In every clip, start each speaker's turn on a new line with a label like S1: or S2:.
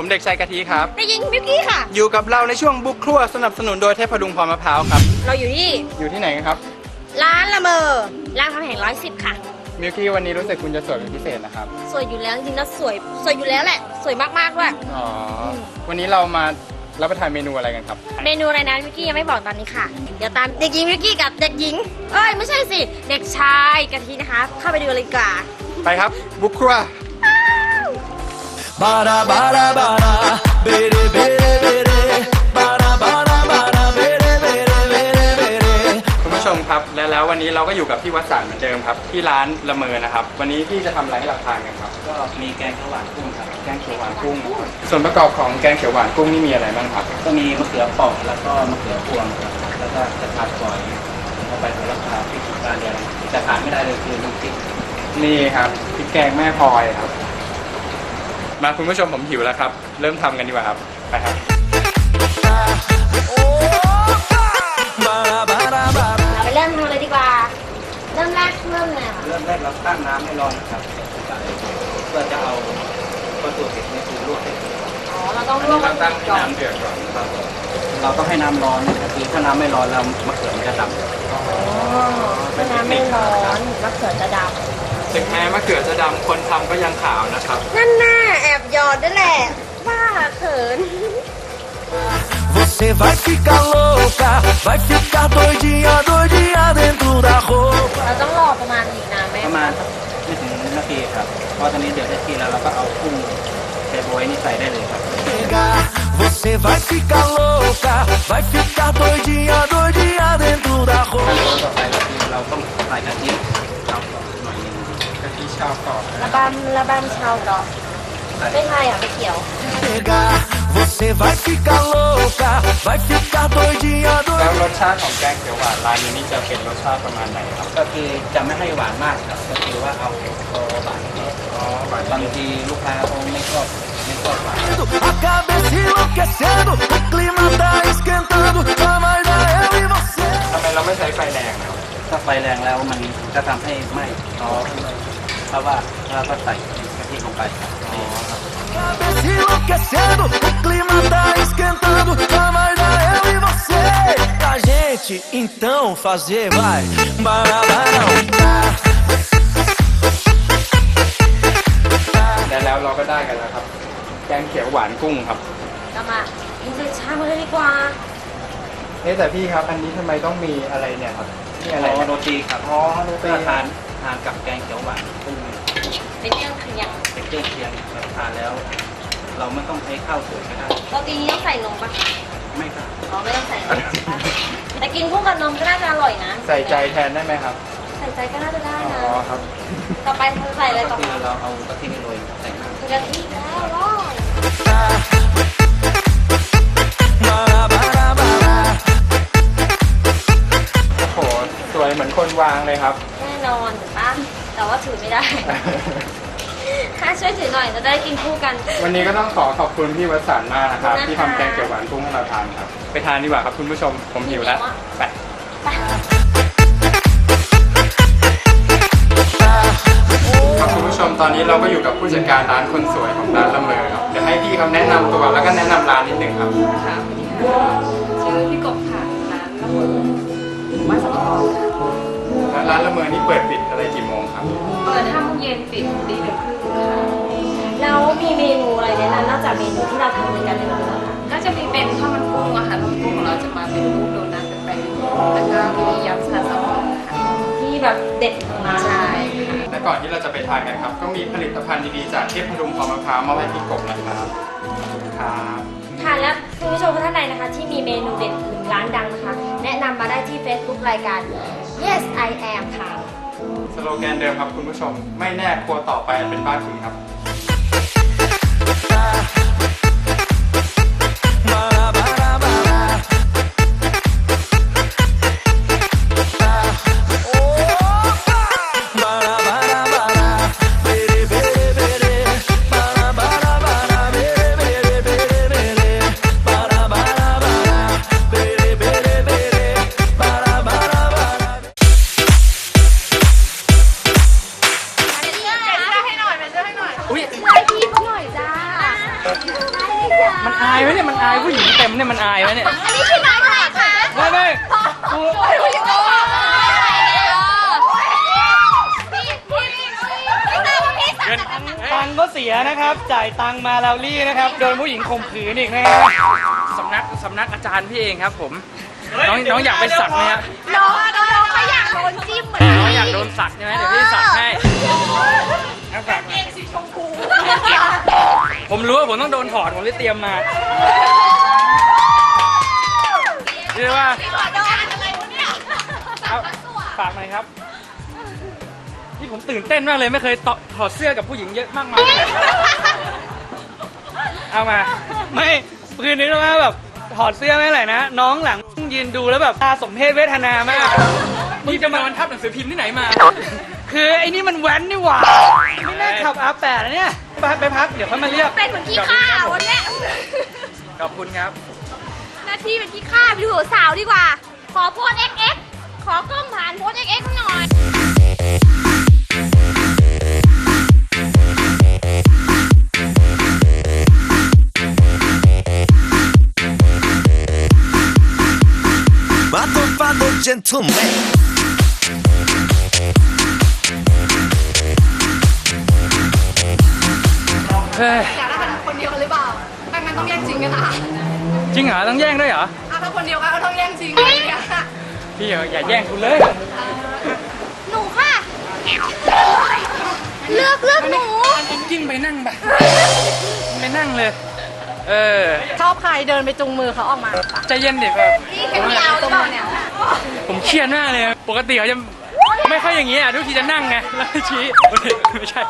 S1: ผมเด็กชายกะทิครับ
S2: เด็กหญิงมิวกี้ค่ะ
S1: อยู่กับเราในช่วงบุกครัวสนับสนุนโดยเทพพดุงพรมะพร้าวครับ
S2: เราอยู่
S1: ที่ไหนกันครับ
S2: ร้านละเมอรามคำแหง110ค่ะ
S1: มิวกี้วันนี้รู้สึกคุณจะสวยเป็นพิเศษนะครับ
S2: สวยอยู่แล้วจริงๆนะสวยอยู่แล้วแหละสวยมากๆด้วย
S1: อ๋อวันนี้เรามารับประทานเมนูอะไรกันครับ
S2: เมนูอะไรนะมิวกี้ยังไม่บอกตอนนี้ค่ะเดี๋ยวตามเด็กหญิงมิวกี้กับเด็กหญิงไม่ใช่สิเด็กชายกะทินะคะเข้าไปดูเลยดีกว่า
S1: ไปครับบุกครัว
S3: Bara bara bara bere bere bere bara bara bara bere bere bere bere
S1: คุณผู้ชมครับแล้ววันนี้เราก็อยู่กับพี่วสันต์เหมือนเดิมครับที่ร้านละเมอนะครับวันนี้พี่จะทำอะไรให้เราทานกันครับ
S4: ก็มีแกงเขียวหวานกุ้งครับ
S1: แกงเขียวหวานกุ้งส่วนประกอบของแกงเขียวหวานกุ้งนี่มีอะไรบ้างครับ
S4: ก็มีมะเขือเปราะแล้วก็มะเขือพวงครับแล้วก็กระชายฝอยเข้าไปแล้วก็พริกกาเดียงจะขาดไม่ได้เลยคือน้ำพริก
S1: นี่ครับพริกแกงแม่พลอยครับมาคุณผู้ชมผมหิวแล้วครับเริ่มทำกันดีกว่าครับไปครับ
S2: เราไปเริ่มทำเลยดีกว่าเริ่มแรกเริ่ม
S4: เราตั้งน้ำให้ร้อนนะครับเพื่อจะเอาวัตถุดิบในคือลวกให้
S2: เราต้องลวกมัน
S1: ตั้งน้ำเดือดก่อน
S4: ครับเราต้องให้น้ำร้อนคือถ้าน้ำไม่ร้อนแล้วมะเขือมันจะดำ
S2: ถ้าน้ำไม่ร้อนมะเขือจะดำ
S1: ถึงแม้มะเขือจะดำคนทำก็ยังขาวนะครับ
S2: นั่นน่ะแอบหยอดด้วยแหละบ้าเขิน
S3: Você vai ficar louca vai ficar doidinha doidinha dentro da roupa
S2: เราต้องรอประมาณอีกนานไหม
S4: ประมาณไม่ถึงนาทีครับพอตอนนี้เดือดได้ที่แล้วเราก็เอากุ้งเทโบยนี่ใส่ได้เลยครับ
S3: Você vai ficar louca vai ficar doidinha doidinha dentro da roupa
S4: ต่อไปเราต้องใส่กะทิชาวก่อนหน่อยนึง
S1: กะทิชาวก่อน
S2: ระบำชาวก่อนไม่ใช่ไม่เกี่ยว
S3: Você vai ficar louca vai ficar doidinha
S1: แล้วรสชาติของแกงเขียวหวานร้านนี้นี่จะเป็นรสชาติประมาณไหนครับ
S4: ก็คือจะไม่ให้หวานมากครับก็คือว่าเอาหวานบางทีลูกค้าเขาไม่ชอบหวาน
S3: A cabeça enlouquecendo o clima tá esquentando só mais eu e você
S1: ทำไมเราไม่ใช้ไฟแรงครับ
S4: ถ้าไฟแรงแล้วมันจะทำให้ไหม้เพราะว่าเราก็ใส่กะทิลงไป
S3: Cabeça enlouquecendo o clima tá esquentando só mais eu e você pra gente então fazer vai barabarão
S1: แล้วเราก็ได้กันแล้วครับแกงเขียวหวานกุ้งครับ
S2: กลับมาอินเตอร์ชามาเลยดีกว่า
S1: แต่พี่ครับอันนี้ทำไมต้องมีอะไรเนี่ยครับนี่อะไร
S4: โรตีครับ
S1: โรตี
S4: ทานกับแกงเขียวหวานกุ้ง
S2: เป็นเครื่องเคียง
S4: ทานแล้วเราไม่ต้องใช้ข้าวสวยก็ได้
S2: โรตีนี้ต้องใส่นมปะ
S4: ไม่ครับ
S2: ไม่ต้องใส่นมแต่กินคู่กับนมก็น่าจะอร่อยนะ
S1: ใส่ใจแทนได้ไหมครับ
S2: ใส่ใจก็น่าจะได้นะ
S1: ครับ
S2: ต่อไปใส่อะไรต่อไป
S4: เราเอากะทิโรยใส่น้ำ
S2: กะทิแล้วร้อย
S1: โอ้โหสวยเหมือนคนวางเลยครับ
S2: แน่นอนถูกปะแต่ว่าถือไม่ได้ถ้าช่วยถือหน่อยจะได้กินคู่กัน
S1: วันนี้ก็ต้องขอบคุณพี่วสันต์มากนะครับที่ทำแกงเขียวหวานกุ้งให้เราทานครับไปทานดีกว่าครับคุณผู้ชมผมหิวแล้วไปครับคุณผู้ชมตอนนี้เราก็อยู่กับผู้จัดการร้านคนสวยของร้านละเมอครับเดี๋ยวให้พี่เขาแนะนำตัวแล้วก็แนะนำร้านนิดหนึ่งครับ
S5: ค่ะชื่อพี่กบค่ะร้านละเมอวัดสัมพันธ์
S1: แล้วร้านละเมอนี่เปิดปิดอะไรกี่โมงครับ
S5: เปิด5 โมงเย็นปิดตี 1 ครึ่งค่ะ
S2: แล้วมีเมนูอะไรแนะนำนอกจากเมนูที่เราทำในการในร้านแล้วค่ะ
S5: ก็จะมีเป็นข้าวมันกุ้งอะค่ะข้าวมันกุ้งของเราจะมาเป็นรูปโดนัทเป็นแป้งแล้วก็มียำสลัดแซลมอนค่ะ
S2: ที่แบบเด็ดของร้าน
S5: ใช่
S1: และก่อนที่เราจะไปทานกันครับก็มีผลิตภัณฑ์ดีๆจากเทพพดุงพรมะพร้าวมาให้พี่กบนะครับ
S2: ค่ะและคุณผู้ชมท่านใดนะคะที่มีเมนูเด็ดหรือร้านดังนะคะแนะนำมาได้ที่ Facebook รายการ Yes I Am ค่ะ
S1: สโลแกนเดิมครับคุณผู้ชมไม่แน่ครัวต่อไปเป็นบ้านคุณครับ
S6: อายไหมเนี่ยมันอายผู้หญิงเต็มเนี่ยมันอายไหมเนี่ย
S2: อันนี้คือน้องอะไรคะ
S6: ไม่กู เงินตังค์ก็เสียนะครับ จ่ายตังค์มาแล้วรี่นะครับ โดนผู้หญิงข่มขืนอีกนะฮะสำนักอาจารย์พี่เองครับผม น้องอยากไปสักไหมฮะ
S2: น้องเขาอยากโดนจิ้มเหมือน
S6: น้องอยากโดนสักใช่ไหมเดี๋ยวพี่สักให้สักผมรู้ว่าผมต้องโดนถอดผมเลยเตรียมมาเรียกว่าเอาฝากหน่อยครับที่ผมตื่นเต้นมากเลยไม่เคยถอดเสื้อกับผู้หญิงเยอะมากมายเอามาไม่คืนนี้ต้องแบบถอดเสื้อไม่ไหนนะน้องหลังยืนดูแล้วแบบตาสมเพศเวทนามากมึงจะมาทับหนังสือพิมพ์ที่ไหนมาคือไอ้นี่มันแว้นนี่หว่าไม่น่าขับR8นะเนี่ยไปพักเดี๋ยวเขามาเรียก
S2: เป็นเหมือนขี้ข้าวันเนี้ย
S6: ขอบคุณครับ
S2: หน้าที่เป็นขี้ข้าไปดูสาวดีกว่า ขอโพส XX ขอกล้องผ่านโพส XX หน่อย
S3: Matofado gentleman
S6: เฮ้ย
S5: อยากได้เป็นคนเดียวกันหรือเปล่าไม่งั้นต้องแย่งจริงกันนะคะ
S6: จริงเหรอต้องแย่งด้วยเหรอ
S5: ถ้าคนเดียวกันก็ต้องแย่งจริงอะไรอย่างเงี้ย
S6: พี่อย่าแย่งกูเลย
S2: หนูค่ะ เลือกหนู
S6: ยิ่งไปนั่งไปนั่งเลย
S5: ชอบใครเดินไปจุงมือเขาออกมา
S6: ใจเย็นเด็กแบบ
S5: นี่แค่ยาวหรือเปล่าเนี่ย
S6: ผมเครียดมากเลยปกติเขาจะไม่ค่อยอย่างนี้ทุกทีจะนั่งไงแล้วชี้ไม่ใช่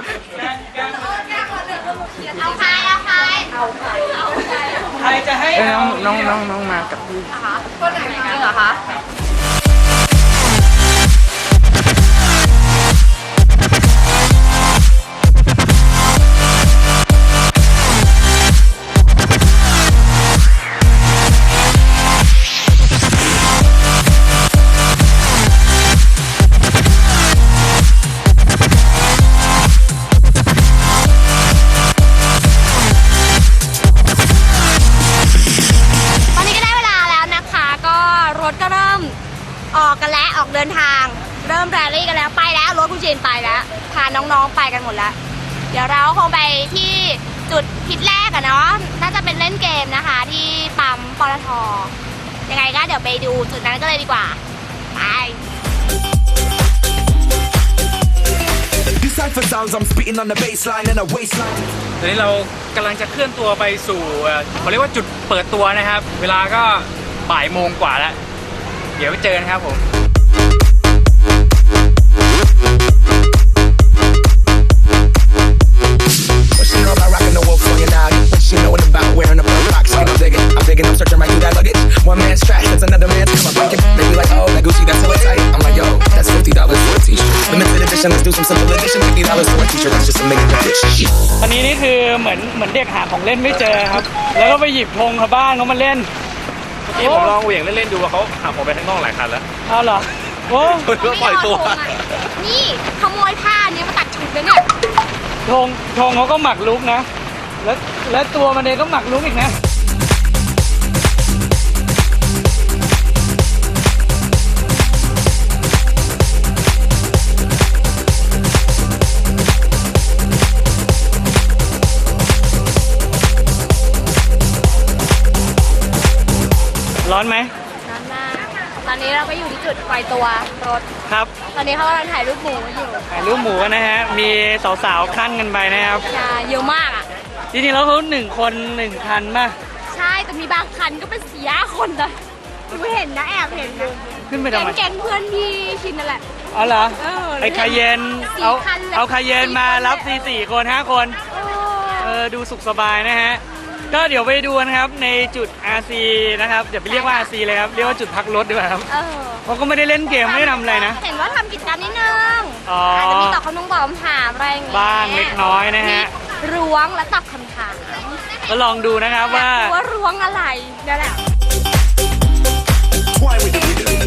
S2: เอาใคร
S6: ใครจะให้น้องมากับพี่
S5: คนไหนเหรอคะ
S2: ตอนนี้ก็ได้เวลาแล้วนะคะ ก็รถก็เริ่มออกกันแล้วออกเดินทาง เริ่มแรลลี่กันแล้วไปแล้วรถคุณเจนไปแล้วพาน้องๆไปกันหมดแล้ว เดี๋ยวเราคงไปที่จุดพิษแรกอะเนาะน่าจะเป็นเล่นเกมนะคะ ที่ปั๊มปตท.ยังไงก็เดี๋ยวไปดูจุดนั้นก็เลยดีกว่าไป
S3: Decipher sounds I'm spitting on the baseline and a waistline
S6: ตอนนี้เรากำลังจะเคลื่อนตัวไปสู่เขาเรียกว่าจุดเปิดตัวนะครับ เวลาก็บ่ายโมงกว่าแล้วเดี๋ยวไปเจอกันครับผม
S3: What she know about rocking the wolf on your noggin? What she knowin' about wearing a pearl box? I'm digging, I'm searching right through that luggage. One man's trash, that's another man's. Come on, break it. They be like, oh, that Gucci, that's so tight. I'm like, yo, that's $50 for a t-shirt. Limited edition, let's do some simple edition. $50 for a t-shirt, that's just a million bitch.
S6: ตอนนี้นี่คือเหมือนเด็กหาของเล่นไม่เจอครับ แล้วก็ไปหยิบธงชาวบ้านเขามาเล่น
S7: เมื่อกี้ผมลองเหวี่ยงเล่นๆดูว่าเขาหักออกไปข้างนอกหลายคันแล้ว
S6: เอาเหรอโอ้
S7: เพื่อปล่อยตัว
S2: นี่ขโมยผ้านี้มาตัดชุดเลยเนี่ย
S6: ธงเขาก็หมักลุกนะ แล้วตัวมันเองก็หมักลุกอีกนะ ร้อนไหม
S2: ร้อนมากตอนนี้เราก็อยู่ที่จุดปล่อยตัวรถ
S6: ครับ
S2: ตอนนี้เขากำลังถ่ายรูปหมูกันอยู่
S6: ถ่ายรูปหมูกันนะฮะ มีสาวๆขั้นกันไปนะครับ
S2: ใช่เยอะมากอ่ะ
S6: จริงๆแล้วเขา1 คน 1 คันป่ะ
S2: ใช่ แต่มีบางคันก็เป็น4-5 คนนะดูเห็นนะแอบเห็นนะ
S6: ขึ้นไปทำไม
S2: แก๊งเพื่อนที่ชินนั่นแหละ
S6: อ๋อเหรอ
S2: เออ
S6: ไอ้คาเยน
S2: สี่
S6: เอา
S2: คันเลย
S6: เอาคาเยนมารับ
S2: สี่คน
S6: 4 คน 5 คน ดูสุขสบายนะฮะ ก็เดี๋ยวไปดูนะครับในจุด RC นะครับอย่าไปเรียกว่า RC เลยครับเรียกว่าจุดพักรถดีกว่าครับ
S2: เออ
S6: เพราะก็ไม่ได้เล่นเกมไม่ได้ทำอะไรนะ
S2: เห็นว่าทำกิจกรรมนิดนึง
S6: อ๋อ
S2: อาจจะมีตอบคำถามอะไรอย่างเงี้ย
S6: บ้างเล็กน้อยนะฮะ
S2: มีล้วงและตอบคำถาม
S6: ก็ลองดูนะครับว่า
S2: ว่าล้วงอะไรนั่นแหละ
S3: Toy with the rhythm.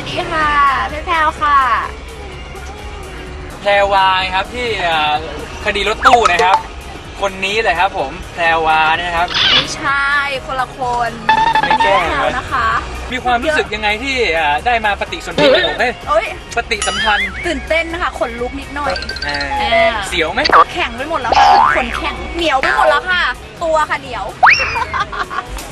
S2: ดีค่ะพี่แพรวค่ะ
S6: แพรวาครับที่คดีรถตู้นะครับ คนนี้เลยครับผมแพรวาเนี่ยนะครับ
S2: ไม่ใช่คนละคน
S6: ไม่แกล้ง
S2: แพรวนะคะ
S6: มีความรู้สึกยังไงที่ได้มาปฏิสนธิกับผม
S2: โอ๊ย
S6: ปฏิสัมพันธ์
S2: ตื่นเต้นนะคะขนลุกนิดหน่อย
S6: เสียวไหม
S2: แข็งไปหมดแล้วค่ะขนแข็งเหนียวไปหมดแล้วค่ะ ตัวค่ะเหนียว